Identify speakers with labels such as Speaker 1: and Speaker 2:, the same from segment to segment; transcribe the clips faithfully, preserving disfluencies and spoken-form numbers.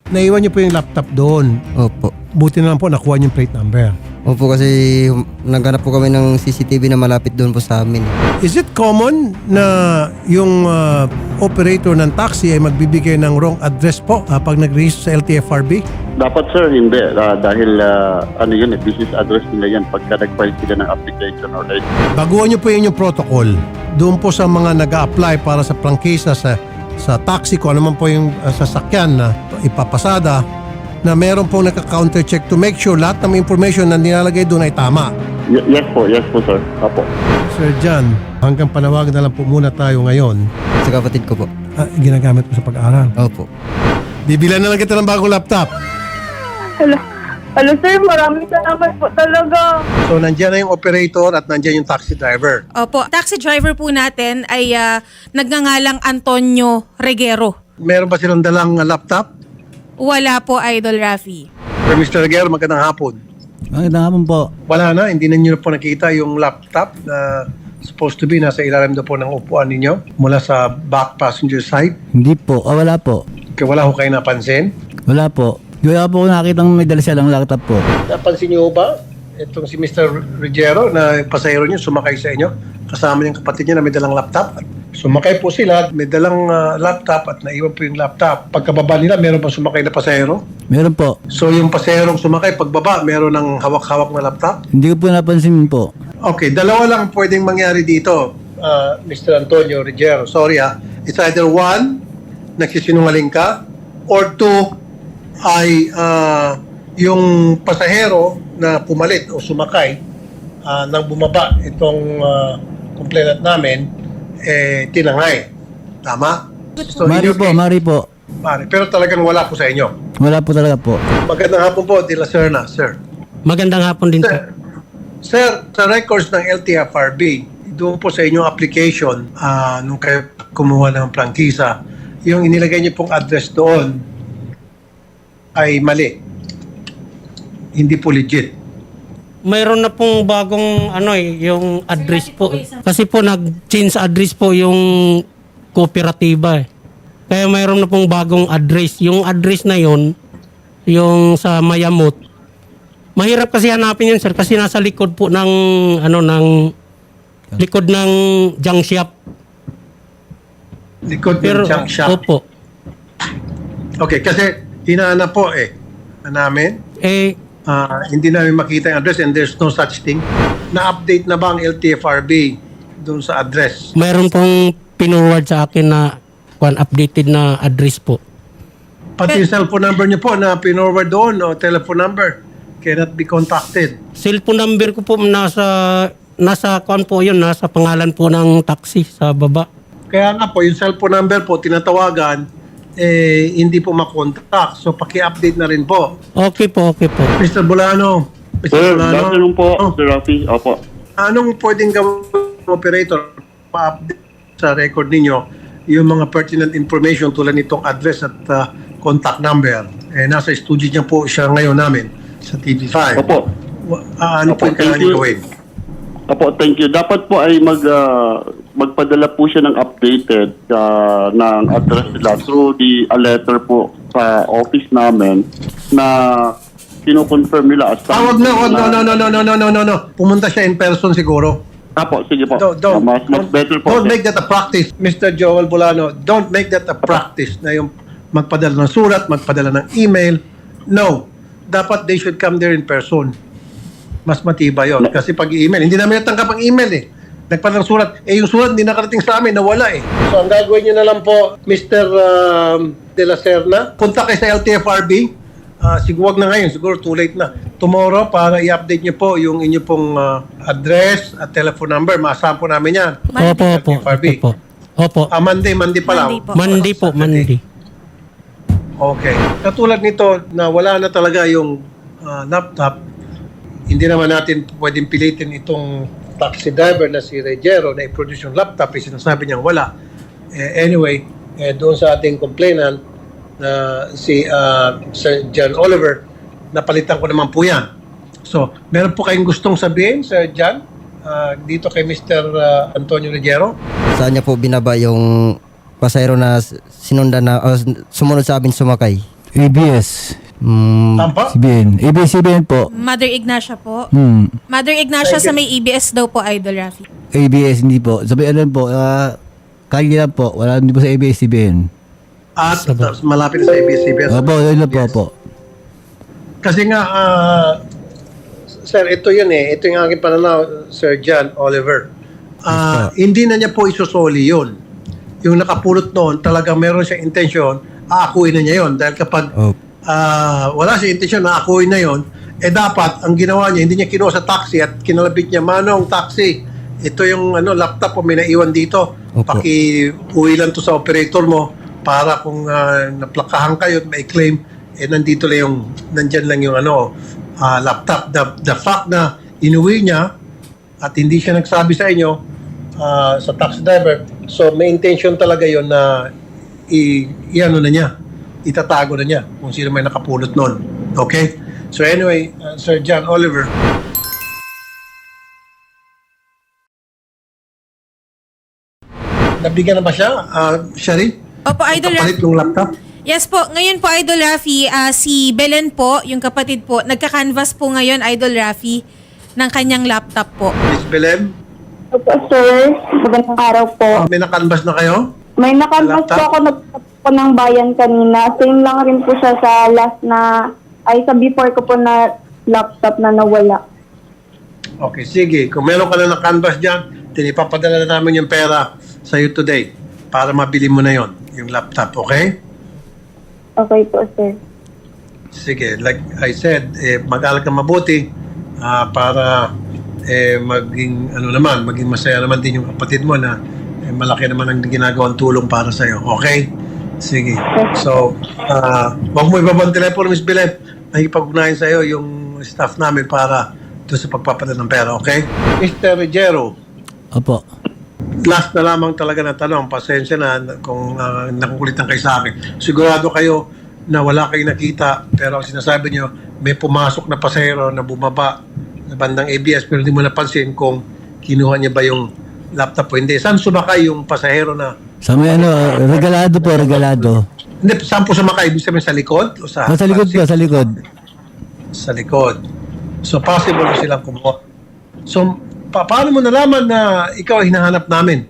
Speaker 1: Naiwan niyo po yung laptop doon.
Speaker 2: Opo.
Speaker 1: Buti na lang po nakuha niyo yung plate number.
Speaker 2: Opo, kasi hum- naghanap po kami ng C C T V na malapit doon po sa amin.
Speaker 1: Is it common na yung ah, operator ng taxi ay magbibigay ng wrong address po ah, pag nag-register sa L T F R B?
Speaker 3: Dapat sir, hindi. Ah, dahil ah, ano yun, eh, business address nila yan pagka nag-file sila ng application or like.
Speaker 1: Baguhan niyo po yung protocol. Doon po sa mga nag-a-apply para sa prangkisa sa sa taxi ko, ano man po yung uh, sasakyan na ipapasada, na meron pong naka-counter check to make sure lahat ng information na nilalagay doon ay tama.
Speaker 3: Y- yes po, yes po sir. Apo.
Speaker 1: Sir John, hanggang panawagan na lang po muna tayo ngayon.
Speaker 2: Sa kapatid ko po.
Speaker 1: Ah, ginagamit mo sa pag-aaral.
Speaker 2: Opo.
Speaker 1: Bibilan na lang kita ng bagong laptop.
Speaker 4: Hello. Hello sir, maraming salamat po talaga.
Speaker 1: So, nandiyan na yung operator at nandiyan yung taxi driver.
Speaker 5: Opo, taxi driver po natin ay ah, nagngangalang Antonio Reguero.
Speaker 1: Meron ba silang dalang uh, laptop?
Speaker 5: Wala po, Idol Rafi.
Speaker 1: Sir mister Reguero, magandang hapon.
Speaker 6: Magandang hapon po.
Speaker 1: Wala na, hindi na nyo na po nakita yung laptop na supposed to be nasa ilalim na po ng upuan ninyo mula sa back passenger side.
Speaker 6: Hindi po. Ah, wala po.
Speaker 1: Kaya wala ko kayo napansin.
Speaker 6: Wala po. Wala po nakita ng may dala siya ng laptop po.
Speaker 1: Napansin nyo ba itong si mister Ruggiero na pasahero nyo sumakay sa inyo? Kasama niyang kapatid niya na may dalang laptop. Sumakay po sila, may dalang ah, laptop at naiwan po yung laptop. Pagkababa nila, meron pa sumakay na pasahero.
Speaker 6: Meron po.
Speaker 1: So yung pasaherong sumakay, pagbaba, meron ng hawak-hawak na laptop.
Speaker 6: Hindi ko po napansin po.
Speaker 1: Okay, dalawa lang pwedeng mangyari dito, ah, mister Antonio Ruggiero. Sorry ha. It's either one, nagsisinungaling ka, or two, ay ah, yung pasahero na pumalit o sumakay ah, nang bumaba itong uh, complainant namin, eh, tinangay. Tama? So, in
Speaker 6: Mari
Speaker 1: your
Speaker 6: po,
Speaker 1: case,
Speaker 6: mari po.
Speaker 1: pare, pero talagang wala po sa inyo.
Speaker 6: Wala po talaga po.
Speaker 1: Magandang hapon po, De La Serna, sir.
Speaker 7: Magandang hapon din,
Speaker 1: Sir,
Speaker 7: sir.
Speaker 1: sir, sa records ng L T F R B, doon po sa inyong application, ah, nung kayo kumuha ng prangkisa, yung inilagay niyo pong address doon ay mali. Hindi po legit.
Speaker 7: Mayroon na pong bagong ano eh, yung address po. Kasi po nag-change address po yung kooperatiba eh. Kaya mayroon na pong bagong address. Yung address na yon, yung sa Mayamot. Mahirap kasi hanapin yun, sir, kasi nasa likod po ng ano ng likod ng junk shop.
Speaker 1: Likod
Speaker 7: Pero
Speaker 1: ng junk shop.
Speaker 7: opo.
Speaker 1: Okay, kasi hinahanap po eh na namin.
Speaker 7: Eh
Speaker 1: Ah, hindi namin makita yung address and there's no such thing. Na-update na ba ang L T F R B doon sa address?
Speaker 7: mayroon pong pinurward sa akin na one updated na address po.
Speaker 1: Pati yung cellphone number niyo po na pinorward doon o telephone number cannot be contacted.
Speaker 7: Cellphone number ko po nasa nasa kuan po yun, nasa pangalan po ng taxi sa baba.
Speaker 1: Kaya nga po, yung cellphone number po, tinatawagan, eh, hindi po makontak. So, paki-update na rin po.
Speaker 7: Okay po, okay po.
Speaker 1: mister Bulano. mister
Speaker 3: Sir,
Speaker 1: Bulano.
Speaker 3: good afternoon po,
Speaker 1: Oh,
Speaker 3: Sir Rafi. Opo.
Speaker 1: anong pwedeng gawin ng operator pa-update sa record ninyo yung mga pertinent information tulad nitong address at uh, contact number? Eh, nasa studio niya po siya ngayon namin sa T V five.
Speaker 3: Opo.
Speaker 1: Wa- ah, ano
Speaker 3: Opo,
Speaker 1: po yung kailangan
Speaker 3: thank you.
Speaker 1: niyo gawin?
Speaker 3: Opo, thank you. Dapat po ay mag ah, magpadala po siya ng updated ah, ng address nila through the a letter po sa office namin na kino-confirm nila as
Speaker 1: Ah, wag na, wag, no, no, no, no, no, no, no, no, no. Pumunta siya in person siguro.
Speaker 3: Apo, sige po.
Speaker 1: Don't, don't,
Speaker 3: Ah, mas, mas
Speaker 1: don't-
Speaker 3: better po.
Speaker 1: don't
Speaker 3: sir.
Speaker 1: make that a practice, mister Joel Bulano. Don't make that a practice na yung magpadala ng surat, magpadala ng email. No. Dapat they should come there in person. Mas matibay yun. Kasi pag email, hindi namin natanggap ang email eh. Nagpadala ng surat. Eh yung surat hindi nakarating sa amin, nawala eh. So ang gagawin nyo na lang po, mister Um, De La Serna, punta kayo sa L T F R B. Ah, siguro wag na ngayon, siguro too late na. Tomorrow, para i-update nyo po yung inyo pong ah, address at telephone number. Maasahan po namin yan.
Speaker 7: Opo, opo.
Speaker 1: F R B.
Speaker 7: Opo. Opo.
Speaker 1: Ah, Monday, Monday pa lang.
Speaker 5: Monday po.
Speaker 7: Monday po, Monday.
Speaker 1: Okay. Katulad nito na wala na talaga yung ah, laptop, hindi naman natin pwedeng pilitin itong taxi driver na si Ruggiero na i-produce yung laptop. Eh, sinasabi niyang wala. Eh, anyway, eh, doon sa ating complainant na si ah, Sir John Oliver, napalitan ko naman po yan. So, meron po kayong gustong sabihin, Sir John, ah, dito kay mister ah, Antonio Ruggiero?
Speaker 2: Saan niya po binaba yung pasahero na s- sinundan na o s- sumunod sa amin sumakay?
Speaker 6: A B S.
Speaker 2: Mm,
Speaker 1: Tampa?
Speaker 6: C B N. A B S C B N po.
Speaker 5: Mother Ignacia po.
Speaker 6: Hmm.
Speaker 5: Mother Ignacia sa may A B S daw po, Idol Rafi.
Speaker 6: A B S hindi po. Sabi ano po, ah, kaya lang po. Wala hindi po sa A B S C B N.
Speaker 1: At tapos malapit na sa A B S C B S.
Speaker 6: Opo, yun lang po po.
Speaker 1: Kasi nga, ah, sir, ito yun eh. Ito yung aking pananaw, Sir John Oliver. Ah, hindi na niya po isusoli yun. Yung nakapulot noon, talagang meron siyang intensyon, aakuin na niya yun. Dahil kapag
Speaker 2: Oh.
Speaker 1: ah, wala siyang intensyon na aakuin na yun, eh dapat, ang ginawa niya, hindi niya kinuha sa taxi at kinalabit niya, Manong, taxi. Ito yung ano, laptop po may naiwan dito.
Speaker 2: Opo.
Speaker 1: Paki-uwi lang to sa operator mo para kung ah, naplakahan kayo at may claim, eh nandito lang yung, nandyan lang yung ano, ah, laptop. The, the fact na inuwi niya at hindi siya nagsabi sa inyo, ah, sa taxi driver, so may intention talaga yon na i, i-ano na niya, itatago na niya kung sino may nakapulot nun. Okay? So anyway, uh, Sir John Oliver, nabigyan na ba siya, uh, Shari?
Speaker 5: Opo, Idol Rafi.
Speaker 1: Kapalit yung laptop?
Speaker 5: Yes po, ngayon po Idol Rafi, ah, si Belen po, yung kapatid po, nagka-canvas po ngayon Idol Rafi ng kanyang laptop po.
Speaker 1: Miss Belen,
Speaker 4: Opo, sir. Magandang araw po.
Speaker 1: may nakanbas na kayo?
Speaker 4: May nakanvas
Speaker 1: Laptop?
Speaker 4: po ako nagtap po ng bayan kanina. Same lang rin po siya sa last na, ay sa before ko po na laptop na nawala.
Speaker 1: Okay, sige. Kung meron ka na ng canvas dyan, tinipapadala na namin yung pera sa iyo today para mabili mo na yon yung laptop, okay?
Speaker 4: Okay po, sir.
Speaker 1: Sige, like I said, eh, mag-aral ka mabuti ah, para eh, maging, ano naman, maging masaya naman din yung kapatid mo na eh, malaki naman ang ginagawang tulong para sa iyo, okay? Sige. So, ah, wag mo ibabang telepono, Miss Belen. Nakikipag-ugnayan sa iyo yung staff namin para doon sa pagpapadala ng pera, okay? Mister Rogero,
Speaker 6: Opo.
Speaker 1: last na lamang talaga na tanong, pasensya na kung uh, nakukulitan kayo sa akin. Sigurado kayo na wala kayong nakita, pero ang sinasabi nyo, may pumasok na pasahero na bumaba na bandang A B S, pero hindi mo napansin kung kinuha niya ba yung laptop o hindi. Saan sumakay yung pasahero na?
Speaker 6: Sa may ano, regalado po, regalado.
Speaker 1: Hindi, saan po sumakay? Ibig sabihin sa likod? O sa,
Speaker 6: Ah, sa likod po, sa likod.
Speaker 1: Sa likod. So, possible na silang kumuha. So, pa paano mo nalaman na ikaw ay hinahanap namin?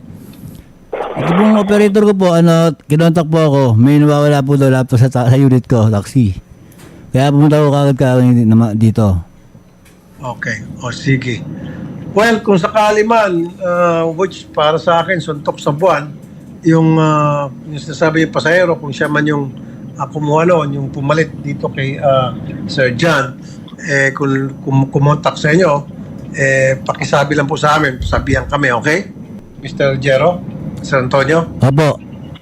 Speaker 6: Ito pong operator ko po, ano, kinontak po ako. May nawawala po daw laptop sa, ta- sa unit ko, taxi. Kaya pumunta ko kagad ka dito.
Speaker 1: Okay. O sige. Well, kung sakali man, uh, which para sa akin, suntok sa buwan, yung, uh, yung sinasabi yung pasahero, kung siya man yung uh, kumuha noon, yung pumalit dito kay uh, Sir John, eh, kung, kung kumontak sa inyo, eh, pakisabi lang po sa amin, sabihan kami, okay? Mister Jero, Sir Antonio?
Speaker 6: Opo.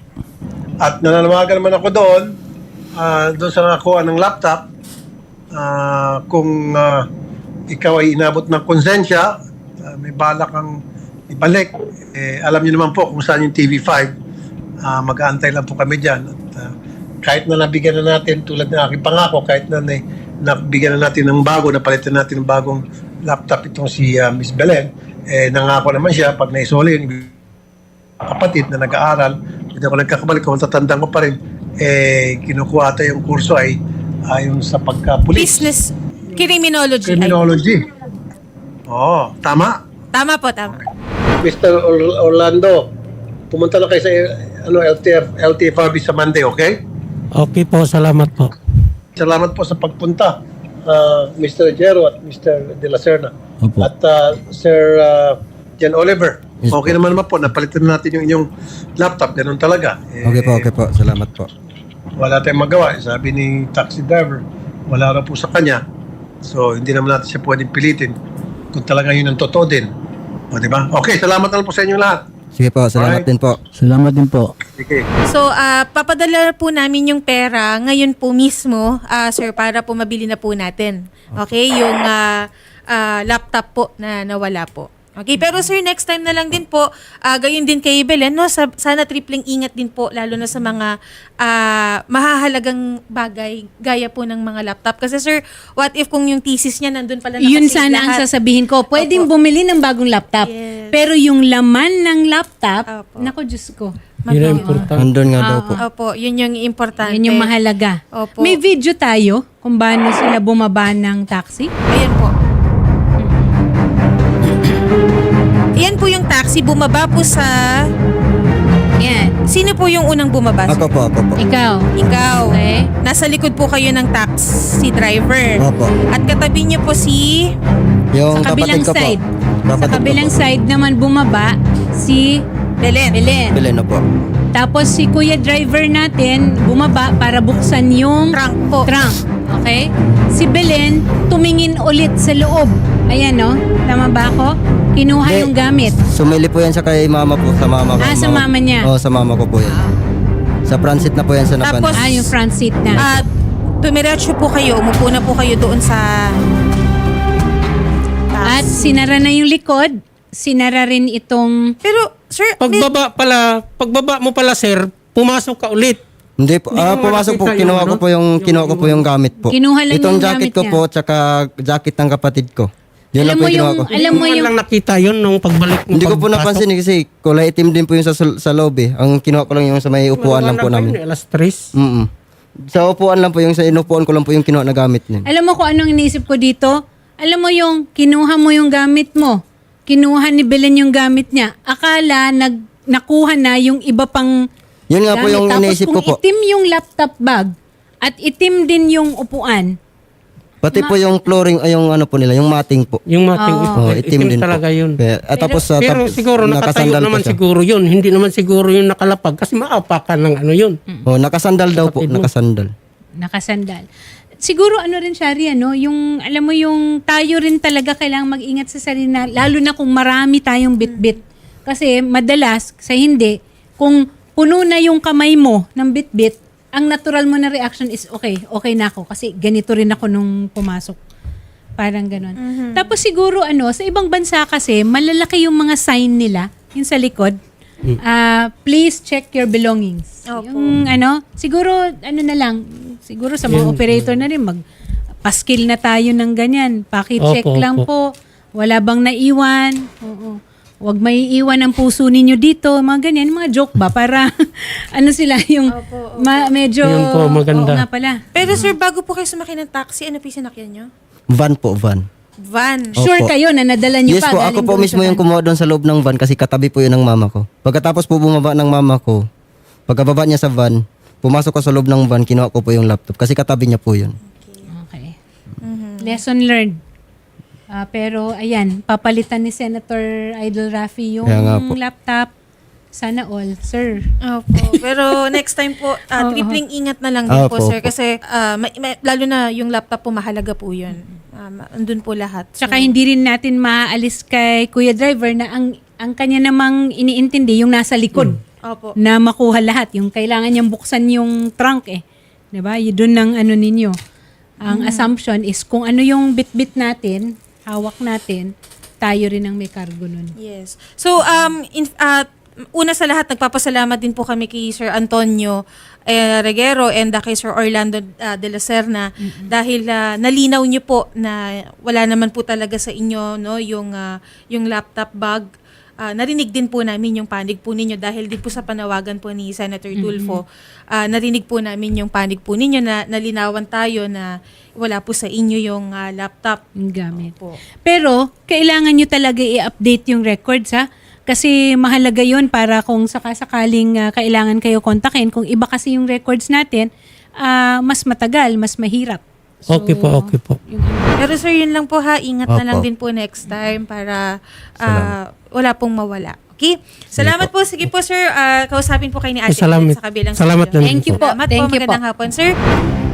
Speaker 1: At nananawagan naman ako doon, ah, doon sa nakakuha ng laptop, ah, kung ah, ikaw ay inabot ng konsensya, ah, may balak kang ibalik, eh, alam niyo naman po kung saan yung T V five, ah, mag-aantay lang po kami dyan. At ah, kahit na nabigyan na natin, tulad ng aking pangako, kahit na na- nabigyan na natin ng bago, napalitan natin ng bagong laptop itong si ah, Miss Belen, eh, nangako naman siya, pag naisoli yun, kapatid na nag-aaral, hindi ako nagkakabalik, kung tatandaan ko pa rin, eh, kinukuha ata yung kurso ay ayon sa pagka-pulis.
Speaker 5: Business criminology.
Speaker 1: Criminology. Oo, tama.
Speaker 5: Tama po, tama.
Speaker 1: Mister Or- Orlando, pumunta na kayo sa ano, L T F, L T F R B sa Monday, okay?
Speaker 7: Okay po, salamat po.
Speaker 1: Salamat po sa pagpunta, uh, Mister Jero at Mister De La Serna.
Speaker 6: Opo.
Speaker 1: At uh, Sir uh, Jan Oliver,
Speaker 2: Yes
Speaker 1: okay naman naman po, napalitan natin yung inyong laptop, ganun talaga. Eh,
Speaker 2: Okay po, okay po. Salamat po.
Speaker 1: Wala tayong magawa. Sabi ni taxi driver, wala raw po sa kanya. So, hindi naman natin siya pwedeng pilitin kung talaga yun ang totoo din. O, di ba? Okay, salamat na lang po sa inyong lahat.
Speaker 2: Sige po, salamat
Speaker 1: Alright.
Speaker 2: din po.
Speaker 6: Salamat din po.
Speaker 1: Sige.
Speaker 5: So, ah, papadala po namin yung pera ngayon po mismo, ah, sir, para po mabili na po natin. Okay? Yung ah, ah, laptop po na nawala po. Okay, pero sir, next time na lang din po, ah, gayon din kay Belen, no? Sa, sana tripling ingat din po, lalo na sa mga ah, mahahalagang bagay, gaya po ng mga laptop. Kasi sir, what if kung yung thesis niya nandun pala
Speaker 8: Yun
Speaker 5: nakasave
Speaker 8: sana ang
Speaker 5: lahat?
Speaker 8: sasabihin ko. Pwedeng
Speaker 5: Opo.
Speaker 8: bumili ng bagong laptop.
Speaker 5: Yes.
Speaker 8: Pero yung laman ng laptop,
Speaker 5: Opo.
Speaker 8: nako Diyos ko.
Speaker 7: Yun ang importante.
Speaker 2: Nandun nga daw po.
Speaker 5: Opo, yun yung importante.
Speaker 8: Yan yung mahalaga.
Speaker 5: Opo.
Speaker 8: May video tayo kung paano sila bumaba ng taxi.
Speaker 5: Ayan po. Ayan po yung taxi. Bumaba po sa...
Speaker 8: Yan.
Speaker 5: Sino po yung unang bumaba? sir?
Speaker 2: Ako po, ako po.
Speaker 8: Ikaw.
Speaker 5: Ikaw.
Speaker 8: Okay.
Speaker 5: Nasa likod po kayo ng taxi driver.
Speaker 2: Opo.
Speaker 5: At katabi niyo po si...
Speaker 2: Yung
Speaker 8: Sa kabilang
Speaker 2: kapatid ko
Speaker 8: side.
Speaker 2: po.
Speaker 8: Sa
Speaker 2: Kapatid ko
Speaker 8: kabilang
Speaker 2: po.
Speaker 8: side naman bumaba si
Speaker 5: Belen.
Speaker 8: Belen.
Speaker 2: Belen na po.
Speaker 8: Tapos si kuya driver natin bumaba para buksan yung
Speaker 5: Trunk po.
Speaker 8: trunk. Okay? Si Belen tumingin ulit sa loob. Ayan, no? Tama ba ako? Kinuha
Speaker 2: Hindi.
Speaker 8: yung gamit.
Speaker 2: Sumili po yan sa kay mama po, sa mama ko.
Speaker 8: Ah, sa mama niya.
Speaker 2: Oo, sa mama ko po yan. Sa transit na po yan sa Napan.
Speaker 5: Tapos-
Speaker 8: Ah, yung front seat na.
Speaker 5: At tumiretso po kayo. Umupo na po kayo doon sa...
Speaker 8: At sinara na yung likod. Sinara rin itong...
Speaker 5: Pero, sir, may-
Speaker 7: Pagbaba pala, pagbaba mo pala sir, pumasok ka ulit.
Speaker 2: Hindi po.
Speaker 7: Hindi
Speaker 2: Ah,
Speaker 7: mo
Speaker 2: pumasok po,
Speaker 7: makita
Speaker 2: kinuha
Speaker 7: yung
Speaker 2: ko
Speaker 7: ano?
Speaker 2: po yung, kinuha ko po yung gamit po.
Speaker 8: Kinuha lang
Speaker 2: Itong
Speaker 8: yung
Speaker 2: jacket
Speaker 8: gamit
Speaker 2: ko
Speaker 8: niya.
Speaker 2: po, tsaka jacket ng kapatid ko. Yun
Speaker 8: Alam
Speaker 2: lang po
Speaker 8: mo
Speaker 2: yung kinuha
Speaker 8: yung-
Speaker 2: ko.
Speaker 8: Alam mo
Speaker 7: Hindi
Speaker 8: yung-
Speaker 7: lang nakita yun nung pagbalik mo.
Speaker 2: Hindi ko po
Speaker 7: pagpasok.
Speaker 2: napansin eh, kasi kulay itim din po yung sa, sa loob eh. Ang kinuha ko lang yung sa may upuan lang po
Speaker 7: Wala
Speaker 2: namin.
Speaker 7: yun, Alas tres.
Speaker 2: Mm Sa upuan lang po, yung sa inupuan ko lang po yung kinuha na gamit niya.
Speaker 8: Alam mo kung anong iniisip ko dito? Alam mo yung kinuha mo yung gamit mo. Kinuha ni Belen yung gamit niya. Akala nag, nakuha na yung iba pang
Speaker 2: Yun nga po
Speaker 8: gamit.
Speaker 2: yung
Speaker 8: Tapos
Speaker 2: iniisip ko
Speaker 8: kung
Speaker 2: po.
Speaker 8: itim yung laptop bag at itim din yung upuan,
Speaker 2: Pati po yung flooring, ay yung ano po nila, yung matting po.
Speaker 7: Yung mating
Speaker 2: Oh,
Speaker 7: itim,
Speaker 2: itim din
Speaker 7: talaga
Speaker 2: po.
Speaker 7: yun.
Speaker 2: Kaya- at tapos sa
Speaker 7: Pero
Speaker 2: tap-
Speaker 7: siguro nakatayo
Speaker 2: nakasandal po
Speaker 7: naman
Speaker 2: siya.
Speaker 7: siguro yun. Hindi naman siguro yung nakalapag kasi maapakan ng ano yun.
Speaker 2: Oh, nakasandal daw po,
Speaker 7: Kapatid mo.
Speaker 2: nakasandal.
Speaker 8: nakasandal. Siguro ano rin siya rin, ano, yung alam mo yung tayo rin talaga kailangang mag-ingat sa sarili na, lalo na kung marami tayong bitbit. Kasi madalas sa hindi, kung puno na yung kamay mo ng bitbit, ang natural mo na reaction is okay, okay na ako kasi ganito rin ako nung pumasok. Parang ganon. Tapos siguro ano, sa ibang bansa kasi malalaki yung mga sign nila, yung sa likod. Ah, please check your belongings.
Speaker 5: Opo.
Speaker 8: Yung ano, siguro ano na lang, siguro sa mga operator na rin mag paskil na tayo ng ganyan. Paki-check
Speaker 7: Opo,
Speaker 8: lang
Speaker 7: opo.
Speaker 8: po. Wala bang naiwan? Oo. Huwag may iwan ang puso ninyo dito. Mga ganyan, mga joke ba? Para ano sila yung ma- medyo...
Speaker 7: Yun po, maganda.
Speaker 8: Oo nga pala.
Speaker 5: Pero sir, bago po kayo sumakay ng taxi, ano po yung sinakyan nyo?
Speaker 2: Van po, van.
Speaker 5: Van.
Speaker 8: Sure
Speaker 2: Opo.
Speaker 8: kayo na nadala niyo
Speaker 2: Yes
Speaker 8: pa.
Speaker 2: po,
Speaker 8: galing
Speaker 2: ako po
Speaker 8: doon
Speaker 2: mismo
Speaker 8: sa
Speaker 2: yung
Speaker 8: van.
Speaker 2: kumuha doon sa loob ng van kasi katabi po yun ng mama ko. Pagkatapos po bumaba ng mama ko, pagkababa niya sa van, pumasok ko sa loob ng van, kinuha ko po yung laptop kasi katabi niya po yun.
Speaker 8: Okay. Lesson learned. Ah, pero ayan, papalitan ni Senator Idol Rafi yung
Speaker 2: Kaya nga po.
Speaker 8: laptop. Sana all, sir.
Speaker 5: Opo. Pero next time po, ah, tripling ingat na lang din po,
Speaker 2: Opo,
Speaker 5: sir.
Speaker 2: opo.
Speaker 5: Kasi ah, may- may- lalo na yung laptop po, mahalaga po yun. Um, andun po lahat. So,
Speaker 8: Tsaka hindi rin natin maaalis kay Kuya Driver na ang ang kanya namang iniintindi yung nasa likod
Speaker 5: Opo.
Speaker 8: na makuha lahat. Yung kailangan niyang buksan yung trunk eh. 'Di ba? Yun doon ng ano ninyo. Ang assumption is kung ano yung bit-bit natin, hawak natin, tayo rin ang may cargo nun.
Speaker 5: Yes. So, um, in, ah, una sa lahat, nagpapasalamat din po kami kay Sir Antonio eh, Reguero and uh, kay Sir Orlando uh, de la Serna dahil uh, nalinaw niyo po na wala naman po talaga sa inyo no yung uh, yung laptop bag. Ah, narinig din po namin yung panig po ninyo dahil din po sa panawagan po ni Senator Tulfo. Ah, narinig po namin yung panig po ninyo na nalinawan tayo na wala po sa inyo yung ah, laptop
Speaker 8: Yung gamit.
Speaker 5: po.
Speaker 8: Pero, kailangan nyo talaga i-update yung records, ha? Kasi mahalaga yun para kung sakasakaling uh, kailangan kayo kontakin. Kung iba kasi yung records natin, ah, mas matagal, mas mahirap. So,
Speaker 7: Okay po, okay po.
Speaker 8: yung-
Speaker 5: Pero sir, yun lang po ha. Ingat na
Speaker 2: Opo.
Speaker 5: lang din po next time para ah, wala pong mawala. Okay? Salamat po. Sige po sir. Ah, kausapin po kayo ni Ate
Speaker 7: Salamat.
Speaker 5: Ellen sa kabilang
Speaker 7: Salamat
Speaker 5: studio.
Speaker 7: din
Speaker 8: Thank you po.
Speaker 5: Salamat
Speaker 8: Thank
Speaker 5: po.
Speaker 8: you po.
Speaker 5: Magandang hapon sir.